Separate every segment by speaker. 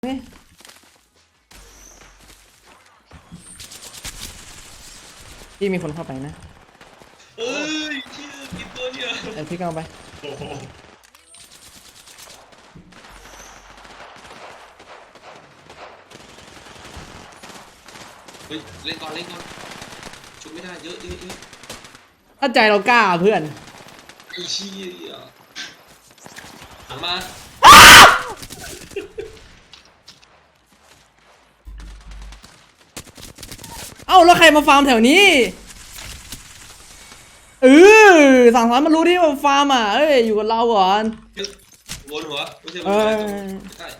Speaker 1: พี่มีคนเข้าไปนะ
Speaker 2: เอ้ยชื่อกินตัวเนี่ย
Speaker 1: พี่ก็เอาไป
Speaker 2: โอ้โหเฮ้ยเล่นก่อนชุบไม่ได้เยอะ
Speaker 1: ถ้าใจเรากล้าเพื่อน
Speaker 2: ไอ้เชี่ยหันมา
Speaker 1: เอ้าแล้วใครมาฟาร์มแถวนี้สั่งสอนมันรู้ที่ว่าฟาร์มอ่ะอยู่กับเราก่อน
Speaker 2: วนหัวไม่ใช่ใช่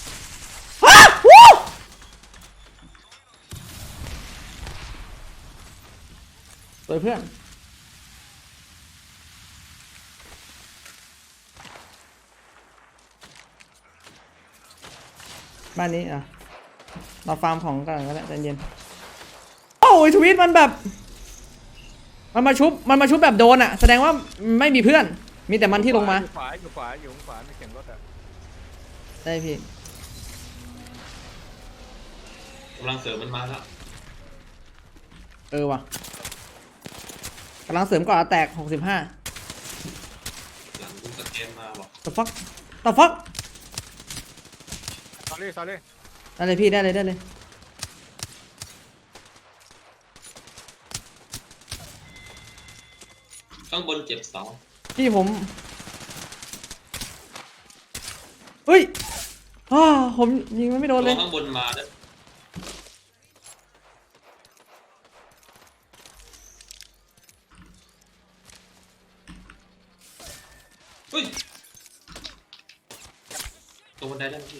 Speaker 1: สวยเพื่อนบ้านนี้อ่ะเราฟาร์มของกันก็ได้ใจเย็นโอ้ยทวิตมันแบบมันมาชุบแบบโดนอ่ะแสดงว่าไม่มีเพื่อนมีแต่มันที่ลงมา
Speaker 3: อยู่ขวามีเสียงรถอ่ะ
Speaker 1: ได้พี่
Speaker 2: กำลังเสริมมันมาแล้ว
Speaker 1: ว่ะกำลังเสริมก่อนแตก65
Speaker 2: หลังกูสแกนมาบอก
Speaker 1: ต่อฟัก
Speaker 3: ซอรี่
Speaker 1: ได้เลยพี่ได้เลย
Speaker 2: ข้างบนเจ็บ2
Speaker 1: พี่ผมเฮ้ยผมยิงมันไม่โดนเลย
Speaker 2: ข้างบนมาเนี่ยเฮ้ยตรงบันไดได้ไหมพี่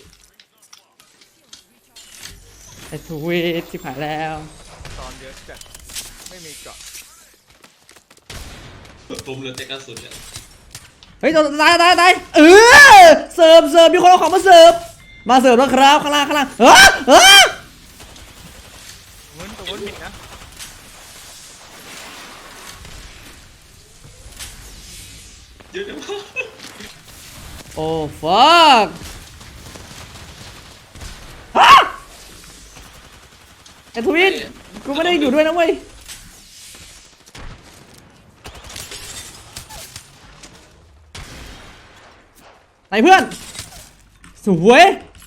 Speaker 1: ไอ้ทวีตที่ผ่านแล้ว
Speaker 3: ตอนเยอะจัดไม่มีเกาะ
Speaker 2: ปุ่มเหลือแต่กระสุนเนี่ย
Speaker 1: เฮ้ยตายเสิร์ฟมีคนเอาของมาเสิร์ฟแล้วครับข้างล่าง
Speaker 3: ตรงนู้นมีนะ
Speaker 2: เยอะจังวะ
Speaker 1: โอ้ฟักไอ้ทวีตกูไม่ได้อยู่ด้วยนะเว้ยไหนเพื่อนสวย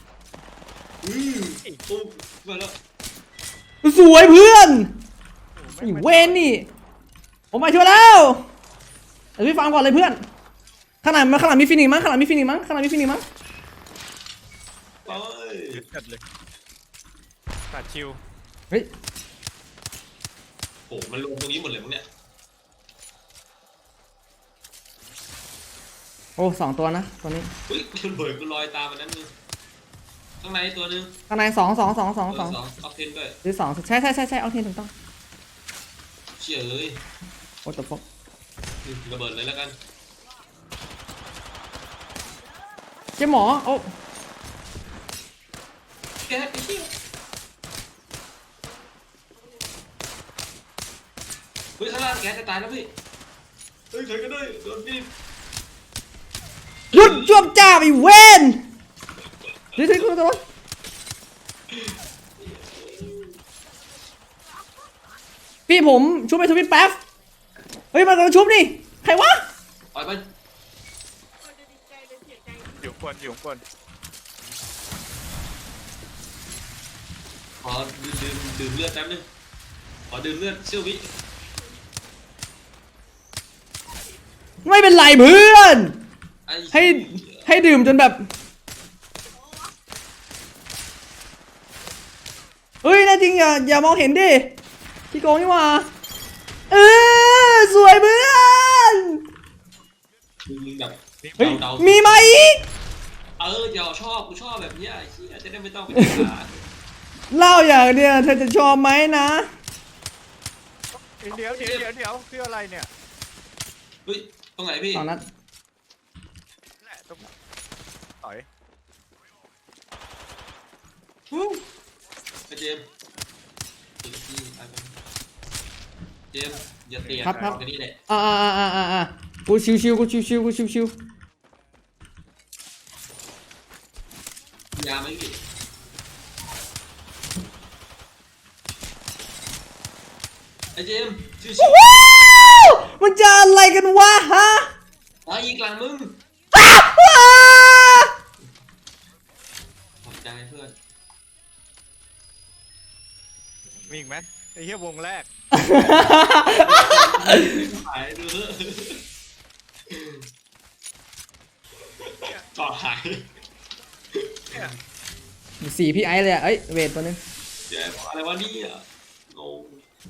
Speaker 2: ปุ๊บมาแล้ว
Speaker 1: สวยเพื่อนนี่เวนนี่ผมมาช่วยแล้วเดี๋ยวพี่ฟังก่อนเลยเพื่อนข้างหลังมีฟินิกมั้ง
Speaker 2: ไป
Speaker 3: จัดเลยตัดชิว
Speaker 1: เฮ้ย
Speaker 2: โอ้มันลงตรงนี้หมดเลยมั้งเนี่ย
Speaker 1: โอ้2 ตัวนะตัวนี้
Speaker 2: เฮ้ยคุณเบิร์ดกูลอยตามมันนั้นนึงข้างในตัวนึง
Speaker 1: ข้างใน2
Speaker 2: ออกเทนด้วย
Speaker 1: หรือ2ใช่เอาเทนถูกต้อง
Speaker 2: เชี่ยเลย
Speaker 1: โอ้ตบฟก
Speaker 2: ระเบิดเลยแล้วกัน
Speaker 1: เจ๊หมอโอ้
Speaker 2: แกไอ้เชี่ยเฮ้ยข้างล่างแกจะตายแล้วพี่เฮ้ยใครก็ได้โดนบีบ
Speaker 1: หยุดจ้วมจ้าไปเวนนี่คุณตัวพี่ผมชุบไปทวิตแป๊บเฮ้ยมันกำลังชุบนี่ใครวะ
Speaker 2: ปล่อยมัน
Speaker 3: อยู่คน
Speaker 2: ขอดื่มเลือดแป๊บนึงขอดื่มเลือดเชี่ยววิ
Speaker 1: ไม่เป็นไรเพื่อนให้ดื่มจนแบบเฮ้ยน่าจริงอย่ามองเห็นดิพี่โกงนี่ว่าสวยเพื่อน
Speaker 2: แบบ
Speaker 1: มีไหมอีก
Speaker 2: อย่ากูชอบแบบนี้ไอ้เหี้ยจะได้ไม่ต้องไปหา
Speaker 1: เล่าอย่างเดียวเธอจะชอบไหมนะ
Speaker 3: เดี๋ยวคืออะไรเนี่ย
Speaker 2: เฮ้ยตรงไหนพี่
Speaker 1: 2 นัด
Speaker 3: แหละตรงต่อย
Speaker 2: เจมอย่าเตีย
Speaker 1: ครับ
Speaker 2: กันนี่แหละ
Speaker 1: กูชิว
Speaker 2: ยาไหมพี่เจมส์ชิว
Speaker 1: ว้าวมันจะอะไรกันวะฮะ
Speaker 2: ๆตายอีกหลังมึงขอบใจเพื่อน
Speaker 3: มีอีกไหมไอ้เหี้ยวงแรก
Speaker 2: หายดูเถอะต่อหาย
Speaker 1: สี่พี่ไอซ์เลยอะเอ้ยเวทตัวนึง
Speaker 2: แย่อะไรวะเนี่ยงง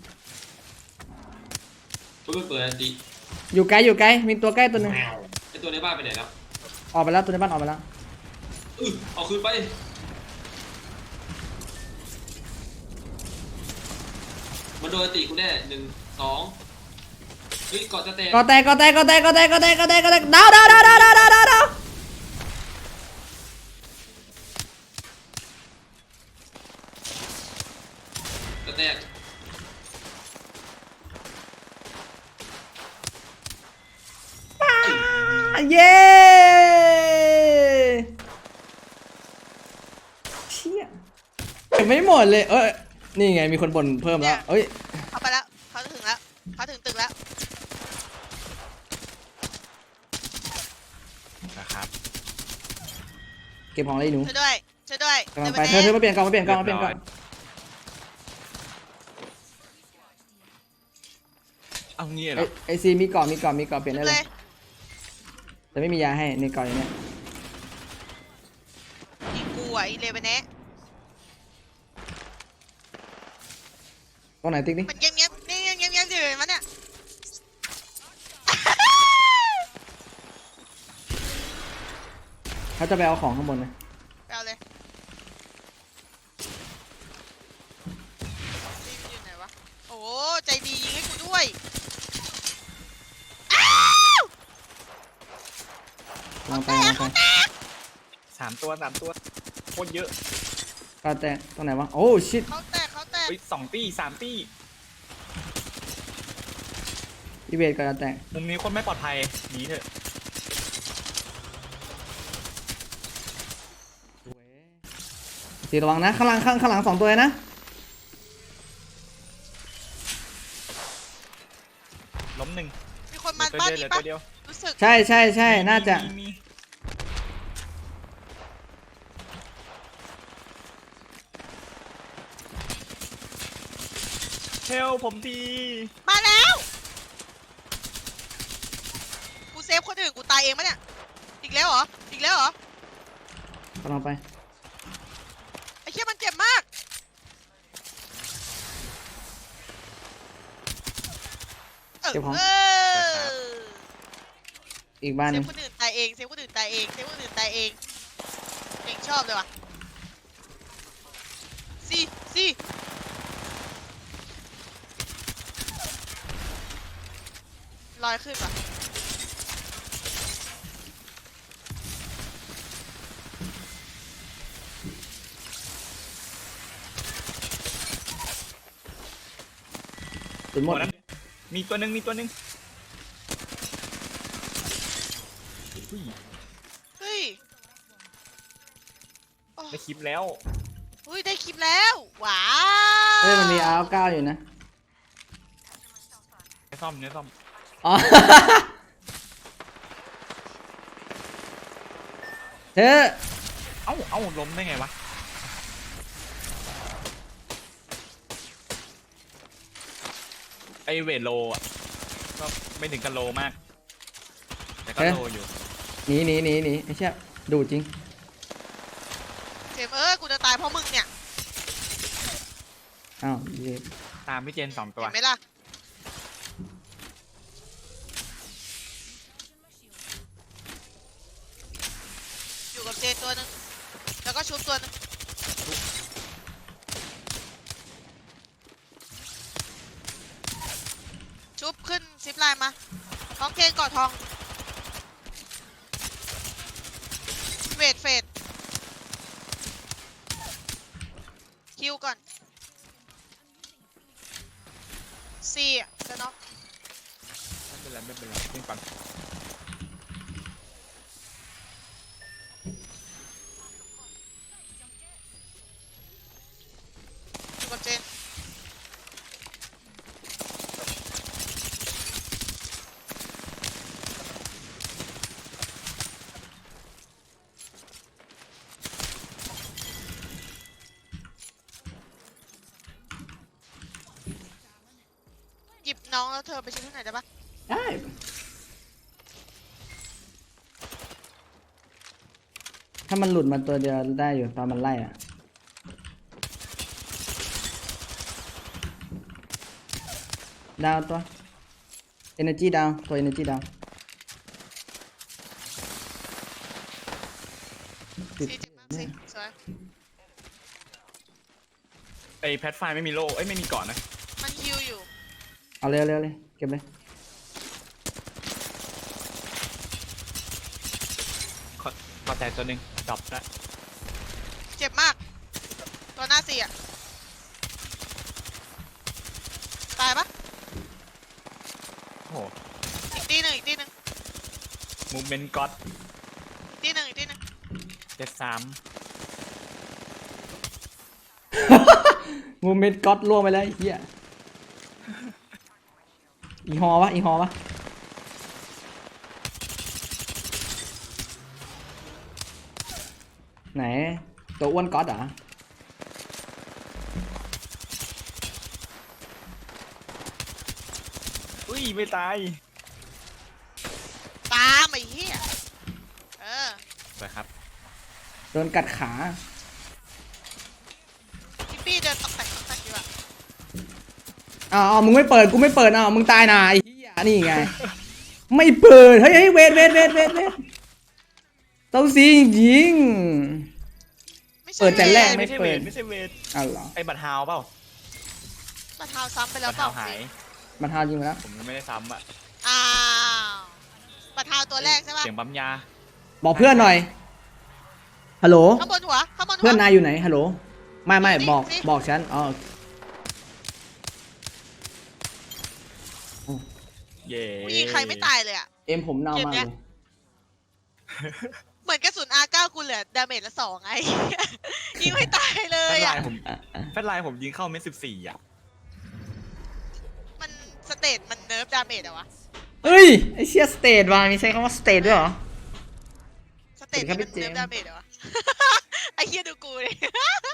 Speaker 2: เพิ่งเปิดอันติ
Speaker 1: อยู่ไกลมีตัวใกล้ตัวนึง
Speaker 2: ไอตัวในบ้านไปไหนแล้ว
Speaker 1: ออกไปแล้วตัวในบ้านออกไปแล้ว
Speaker 2: เอาคืนไปมันโดนอันติกูแน่1 2เฮ้ยเกาะจะแตก
Speaker 1: ก็แตกดาว
Speaker 2: จะแตก
Speaker 1: เย้เชี่ยยังไม่หมดเลยนี่ไงมีคนบ่นเพิ่มแล้วเอ้ย
Speaker 4: เขาไปแล้วเขาถึงแล้วเขาถึงตึกแล้ว
Speaker 3: นะครับ
Speaker 1: เก็บของอะไรหนู
Speaker 4: ช่วยด้วย
Speaker 1: กำลังไปเธอมาเปลี่ยนกล่อง
Speaker 3: เอางี้เหรอ
Speaker 1: ไอซีมีกล่องเปลี่ยนได้
Speaker 4: เล
Speaker 1: เลย ยแต่ไม่มียาให้ในกล่องอย่างเนี้ย
Speaker 4: อีกูอ่ะอีเลเวนเนะ
Speaker 1: กล่องไหนติ๊กดิ
Speaker 4: มันเงียบนี่เงียบอยู่มันเนี่ย
Speaker 1: เขาจะไปเอาของข้างบนนะ
Speaker 4: ไปเอาเลยซีมอยู่ไหนวะโอ้ใจดียิงให้กูด้วยอ้าว
Speaker 1: ลองไป
Speaker 3: 3 ตัวโคตรเยอะ
Speaker 1: ก็แต่ตรงไหนวะโอ้ชิต
Speaker 4: เขาแตก
Speaker 3: เฮ้ย2 ตี้ 3 ตี้
Speaker 1: อีเวทก็จะแตก
Speaker 3: มุมนี้คนไม่ปลอดภัยหนีเถอะ
Speaker 1: สีระวังนะข้างหลัง2 ตัวเลยนะ
Speaker 3: ล้ม 1
Speaker 4: มีคนมา
Speaker 3: ตัว
Speaker 4: บ้าน
Speaker 3: เดียวเหลื
Speaker 4: นี้
Speaker 3: อ
Speaker 4: ปะ
Speaker 3: ตัวเดียว
Speaker 4: รู้สึก
Speaker 1: ใช่น่าจะ
Speaker 3: มีเฮลผมที
Speaker 4: มาแล้วกูเซฟคนอื่นกูตายเองปะเนี่ยอีกแล้วเหรอก
Speaker 1: ำลังไป
Speaker 4: ไอ้เหี้ยมันเจ็บมากเออ
Speaker 1: อีกบ้าน
Speaker 4: เซ
Speaker 1: หนึ
Speaker 4: ฟ
Speaker 1: ง
Speaker 4: คนอื่นตายเองเองชอบเลยว่ะสิลอยขึ้นว่ะ
Speaker 1: สุดหม
Speaker 3: หม
Speaker 1: ด
Speaker 3: ดแล้วมีตัวหนึ่งอุ้ย
Speaker 4: เฮ้ยโอ้
Speaker 3: ได้คลิปแล้ว
Speaker 4: เฮ้ยได้คลิปแล้วว้าว
Speaker 1: เฮ้ยมันมีอาร์9อยู่นะ
Speaker 3: เนื้อซ่อม
Speaker 1: อ๋อ เธอ
Speaker 3: เอ้าล้มได้ไงวะไอเวทโลอ่ะก็ไม่ถึงกันโลมาก แต่ก็โลอยู่
Speaker 1: หนีไอ้เชี่ยดูจริง
Speaker 4: เจมกูจะตายเพราะมึงเนี่ย
Speaker 1: อ้าวเย้
Speaker 3: ตามพี่เจน2 ตัว
Speaker 4: เห็นไหมล่ะอยู่กับเจนตัวนึงแล้วก็ชุบตัวนึงชุบขึ้นซิปไลน์มาท้องเคนกอดทองเฟดคิวก่อนสี่อ่ะจะน็อก
Speaker 3: ไม่เป็นไรวิ่งก่อน
Speaker 4: อยู่กับเจนน้องแล้วเธอไปชิมที่ไหนได้ปะ
Speaker 1: ได้ถ้ามันหลุดมาตัวเดียวได้อยู่ตอนมันไล่อะดาวตัว energy ดาวตัว energy ดาวติด
Speaker 4: ซีเจ็บมากสิสวย
Speaker 3: ไอแพทไฟไม่มีโล่เอ้ยไม่มีเกาะนะ
Speaker 4: มันฮิวอยู่
Speaker 1: เอาเร็วเร็วเลยเก็บเลย
Speaker 3: ขอแตกตัวหนึ่งดรอปละ
Speaker 4: เจ็บมากตัวหน้าซีอะตายปะ
Speaker 3: โอ้โห
Speaker 4: อีกตีหนึ่งอีกตีหนึ่ง
Speaker 3: มูเมนต์ก็อด
Speaker 4: อีกตีหนึ่งอีกตีหนึ่ง
Speaker 3: 73
Speaker 1: มูเมนต์ก็อดล่วงไปแล้วไอ้เหี้ยอีฮอวะอีฮอวะไหนตัวอ้วนก็อดเหรอ
Speaker 3: อุ้ยไม่ตาย
Speaker 4: ตามไอ้เหี้ยเออ
Speaker 3: สวยครับ
Speaker 1: โดนกัดขา
Speaker 4: พี่ปี้เดินตอกแตกอยู่อะ
Speaker 1: อ้าวมึงไม่เปิดกูไม่เปิดอ้าวมึงตายนาไอ้เหี้ยนี่ไง ไม่เปิดเฮ้ยเวทเต้าซีจริง
Speaker 4: ไม่ใช่
Speaker 1: เปิดแต่แรก
Speaker 3: ไม่ใช่เวทไม่ใช่เวท
Speaker 1: อ้าวเหรอ
Speaker 3: ไอบัตรฮาวเปล่า
Speaker 4: มาเท้าซ้ำไปแล้
Speaker 3: บั
Speaker 4: ว
Speaker 3: ตร
Speaker 4: เปล่า
Speaker 3: ฮาวหาย
Speaker 1: มาทาจริงแล้ว
Speaker 3: ผมยังไม่ได้ซ้ำอ่ะ
Speaker 4: อ้าวมาเท้าตัวแรกใช่ปะ
Speaker 3: เสียงปั๊มยา
Speaker 1: บอกเพื่อนหน่อยฮัลโหล
Speaker 4: ข้างบนหัวข้างบนหัว
Speaker 1: เพื่อนนายอยู่ไหนฮัลโหลไม่
Speaker 4: นี่
Speaker 1: บอก
Speaker 4: นี่
Speaker 1: บอกฉันอ๋อ
Speaker 3: เย่
Speaker 4: กูยิงใครไม่ตายเลยอะ
Speaker 1: เอ็มผมเน่ามาก
Speaker 4: เกมเนี้
Speaker 1: เลย ย
Speaker 4: เหมือนกระสุน R9 กูเหลือดาเมจละ2ไง ยิงไม่ตายเล
Speaker 3: แฟ
Speaker 4: ย
Speaker 3: นไล
Speaker 4: อะ
Speaker 3: น์ผมแฟนไลน์ผมยิงเข้าเม็ด14อ่ะ
Speaker 4: มันสเตตมันเนิร์ฟดาเมจอะวะ
Speaker 1: เอ้ยไอเชียสเตทว่ะมีใช้คำว่าสเตทด้วยเหรอ
Speaker 4: สเตต
Speaker 1: สวัสดีครับ
Speaker 4: นี่มัน
Speaker 1: พี่เจมส์
Speaker 4: เนิร์ฟดาเมจอะวะ ไอ้เหี้ยดูกูเลย